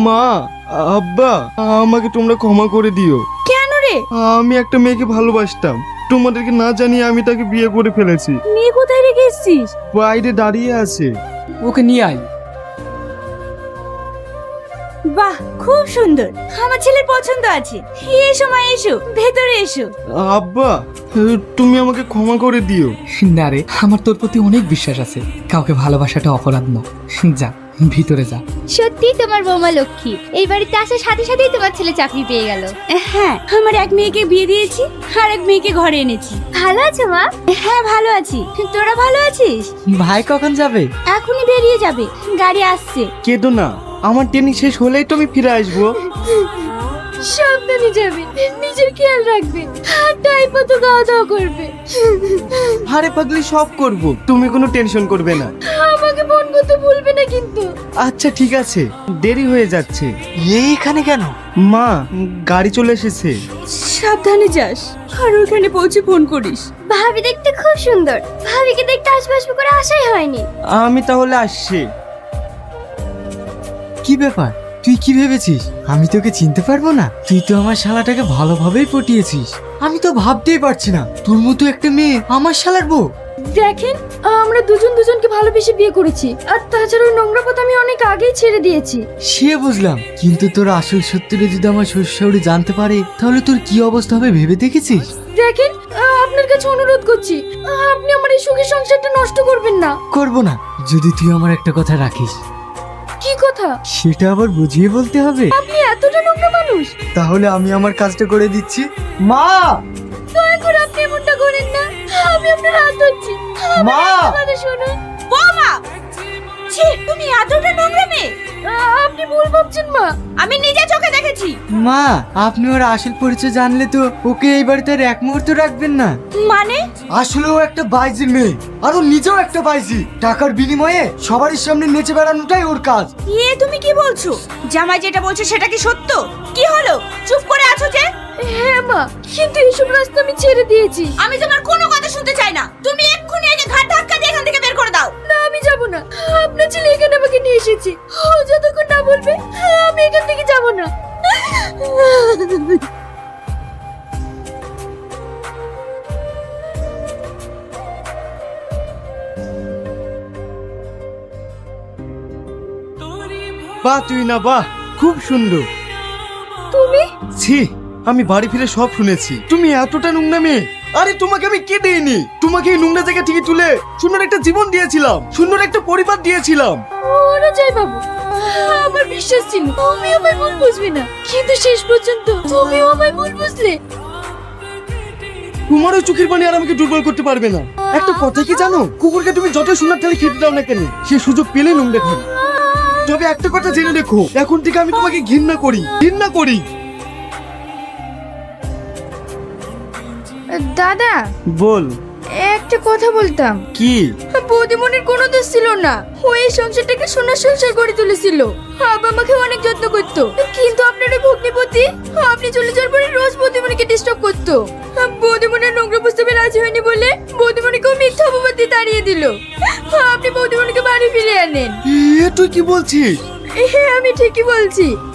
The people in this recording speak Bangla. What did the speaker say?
মা, আব্বা, আমাকে তোমরা ক্ষমা করে দিও। কেন রে? আমি একটা মেয়েকে ভালোবাসতাম, তোমাদেরকে না জানিয়ে আমি তাকে বিয়ে করে ফেলেছি। মেয়ে কোথায় রেখে এসেছিস? বাইরে দাঁড়িয়ে আছে। ওকে নিয়ে আয়। বাহ, খুব সুন্দর, আমার ছেলের পছন্দ আছে। এসো মা, এসো, ভেতরে এসো। আব্বা, তুমি আমাকে ক্ষমা করে দিও। না রে, আমার তোর প্রতি অনেক বিশ্বাস আছে। কাউকে ভালোবাসাটা অপরাধ না। যা, ভিতরে যা। সত্যি তোমার বৌমা লক্ষ্মী, এই বাড়িতে আসার সাথে সাথেই তোমার ছেলে চাকরি পেয়ে গেল। হ্যাঁ, আমার এক মেয়েকে বিয়ে দিয়েছি আর এক মেয়েকে ঘরে এনেছি। ভালো আছো মা? হ্যাঁ, ভালো আছি। তোরা ভালো আছিস? ভাই কখন যাবে? এখনই বেরিয়ে যাবে, গাড়ি আসছে। কেঁদো না, আমার ট্রেনিং শেষ হলেই তো আমি ফিরে আসবো। সাবধানে যাবে, নিজের খেয়াল রাখবে, আর টাইম মতো খাওয়া দাওয়া করবে। আরে পাগলি, সব করব, তুমি কোনো টেনশন করবে না। আমাকে ফোন করতে ভুলবে না কিন্তু। আচ্ছা ঠিক আছে, দেরি হয়ে যাচ্ছে। এইখানে কেন? মা, গাড়ি চলে এসেছে। সাবধানে যাস, আর ওখানে পৌঁছে ফোন করিস। ভাবি দেখতে খুব সুন্দর, ভাবিকে দেখতে আসবো আসবো করে আশাই হয়নি। আমি তাহলে আসছি। কি ব্যাপার, তুই কি ভেবেছিস আমি তোকে চিনতে পারবো না? তুই তো আমার শালাটাকে ভালোভাবেই পটিয়েছিস। আমি তো ভাবতেই পারছি না তোর মতো একটা মেয়ে আমার শালার বউ। দেখেন, আমরা দুজন দুজনকে ভালোবেসে বিয়ে করেছি, আর তাছাড়া ওই নোংরা পথ আমি অনেক আগেই ছেড়ে দিয়েছি। সে বুঝলাম, কিন্তু তোর আসল সত্যিটা যদি আমার শ্বশুরবাড়ি জানতে পারে তাহলে তোর কি অবস্থা হবে ভেবে দেখেছিস? দেখেন, আপনার কাছে অনুরোধ করছি, আপনি আমার এই সুখের সংসারটা নষ্ট করবেন না। করবো না, যদি তুই আমার একটা কথা রাখিস। কি কথা? সেটা আবার বুঝিয়ে বলতে হবে। আপনি এতটা নোংরা মানুষ? তাহলে আমি আমার কাজটা করে দিচ্ছি। মা, দয়া করে আপনি এমনটা করেন না, আমি আপনার হাত ধরছি। মা! আমার কথা শুনুন। বৌমা, ছি, তুমি এতটা নোংরা মেয়ে! আপনি ভুল ভাবছেন মা। আমি নিজে চোখে দেখেছি। মা, আপনি ওর আসল পরিচয় জানলে তো ওকে এই বাড়িতে আর এক মুহূর্ত রাখবেন না। মানে? আসলে ও একটা বাইজির মেয়ে, আর ও নিজেও একটা বাইজি। টাকার বিনিময়ে সবারই সামনে নেচে বেড়ানোটাই ওর কাজ। তুমি কি বলছো? জামাই যেটা বলছে সেটা কি সত্য? কি হলো, চুপ করে আছো যে? হ্যাঁ মা, কিন্তু এইসব রাস্তা আমি ছেড়ে দিয়েছি। আমি তোমার কোনো কথা শুনতে চাই না। তুমি এক্ষুনি একে ঘাট ধাক্কা দিয়ে এখান থেকে বের করে দাও। না, আমি যাব না। আপনার ছেলে এখানে আমাকে নিয়ে এসেছে, ও যতক্ষণ না বলবে আমি এখান থেকে যাব না। বাহ, তুই না, বাহ, খুব সুন্দর। তুমি? ছি, আমি বাড়ি ফিরে সব শুনেছি। তুমি এতটা নোংরা মেয়ে। আরে তোমাকে আমি কে দেইনি? তোমাকে এই নোংরা জায়গা থেকে তুলে সুন্দর একটা জীবন দিয়েছিলাম, সুন্দর একটা পরিবার দিয়েছিলাম। ওরা যাই বাবু, আমার বিশ্বাস ছিল তুমি আমায় ভুল বুঝবে না, কিন্তু শেষ পর্যন্ত তুমিও আমায় ভুল বুঝলে। তোমার ওই চোখের পানি আর আমাকে দুর্বল করতে পারবে না। একটা কথা কি জানো, কুকুরকে তুমি যত সোনার থালি খেতে দাও না কেন, সে সুযোগ পেলে নোংরা খাবে। তবে একটা কথা জেনে রেখো, এখন থেকে আমি তোমাকে ঘৃণা করি, ঘৃণা করি। দাদা, বল। একটা কথা বলতাম। কি? বৌদিমণির কোনো দোষ ছিল না, ও এই সংসারটাকে সোনার সংসার করে তুলেছিল। বাবা আমাকে অনেক যত্ন করতো, কিন্তু আপনার ওই ভগ্নিপতি, আপনি চলে যাওয়ার পরে রোজ বৌদিমণিকে ডিস্টার্ব করতো। বৌদিমণির নোংরা প্রস্তাবে রাজি হয়নি বলে বৌদিমণিকেও মিথ্যা অপবাদ দিয়ে তাড়িয়ে দিল। আপনি বৌদিমণিকে বাড়ি ফিরে আনেন। তুই কি বলছিস? হ্যাঁ, আমি ঠিকই বলছি।